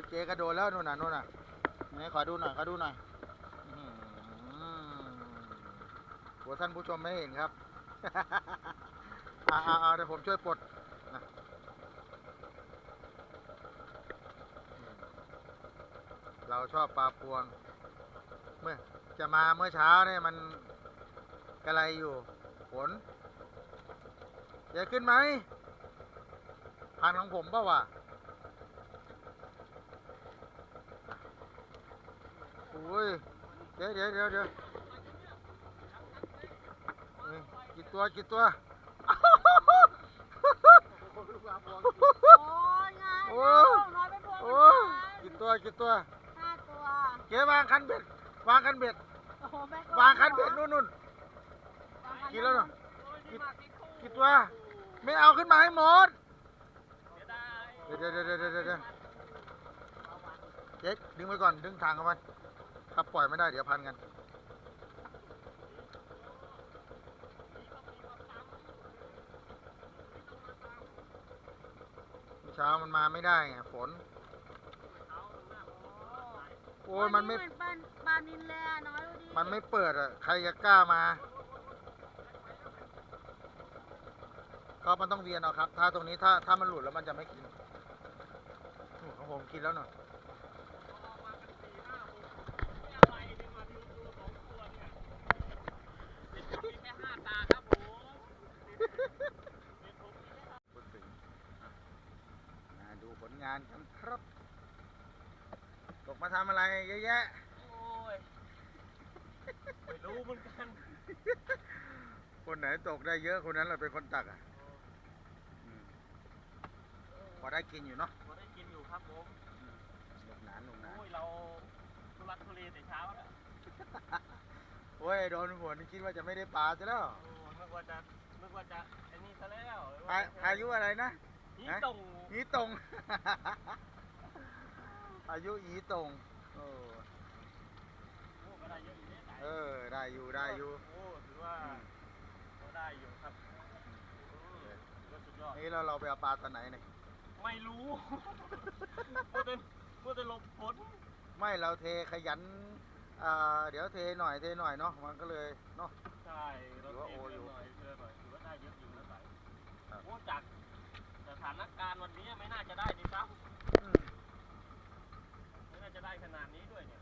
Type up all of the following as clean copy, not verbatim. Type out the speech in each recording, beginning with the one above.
เจ๊กระโดดแล้วนู่นน่ะไหนขอดูหน่อยโหท่านผู้ชมไม่เห็นครับ เอาเดี๋ยวผมช่วยปลดนะเราชอบปลาพวงเมื่อจะมาเมื่อเช้าเนี่ยมันกระไรอยู่ฝนจะขึ้นไหมพันของผมเปล่าวะโอ้ยเดี๋ยวกี่ตัวโอ้ยไงน้อยไปพวงโอ้กี่ตัว 5 ตัวเจ๊วางคันเบ็ดวางคันเบ็ดโอ้โหแม่ก็วางคันเบ็ดนู่นกี่แล้วเนาะกี่ตัวไม่เอาขึ้นมาให้หมดเดี๋ยวเจ๊ดึงไว้ก่อนดึงทางเข้าไปถ้าปล่อยไม่ได้เดี๋ยวพันกันเช้ามันมาไม่ได้ไงฝนโอ้ยมันไม่ปลานินเลยน้อยดูดิมันไม่เปิดอ่ะใครจะกล้ามาก็มันต้องเวียนเอาครับถ้าตรงนี้ถ้ามันหลุดแล้วมันจะไม่กินของผมกินแล้วหน่อยดูผลงานกันครับตกมาทำอะไรเยอะแยะโอ้ยไม่รู้เหมือนกันคนไหนตกได้เยอะคนนั้นแหละเป็นคนตักอ่ะพอได้กินอยู่เนาะพอได้กินอยู่ครับผมหนุกหนานโอ้ยเราทุรักทุเลแต่เช้าแล้วโอ้ยโดนฝนคิดว่าจะไม่ได้ปลาซะแล้วนึกว่าจะไอ้นี่ซะแล้วพายุอะไรนะอีตงอีตงอายุอีตงก็ได้เยอะอยู่เนี่ยได้อยู่โอ้ถือว่าก็ได้อยู่ครับก็สุดยอดนี่เราไปเอาปลาตอนไหนเนี่ยไม่รู้เมื่อแต่หลบฝนไม่เราเทขยันเดี๋ยวเทหน่อยเนาะมันก็เลยเนาะใช่เราเทหน่อยถือว่าได้เยอะอยู่นะใส่โอ้จากสถานการณ์วันนี้ไม่น่าจะได้ดีครับไม่น่าจะได้ขนาดนี้ด้วยเนี่ย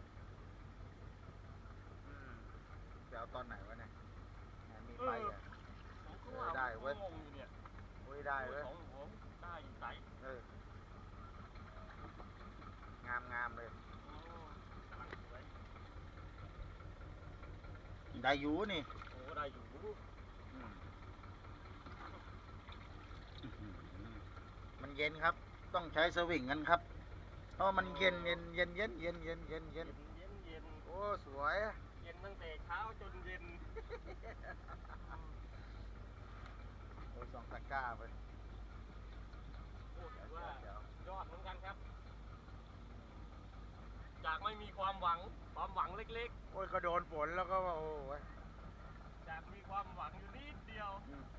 เดี๋ยวตอนไหนวะเนี่ยมีไปอ่ะได้เว้ยงงอยู่เนี่ยได้เว้ยของผมได้อยู่ใสงามเลยได้อยู่นี่โอ้ได้อยู่มันเย็นครับต้องใช้สวิงกันครับเพราะมันเย็นโอ้สวยเย็นตั้งแต่เช้าจนเย็นโอ้ย2 ตะกร้าไปโอ้ถือว่ายอดเหมือนกันครับจากไม่มีความหวังเล็กๆโอ้ยก็โดนฝนแล้วก็โอ้ยจากมีความหวังอยู่นิดเดียว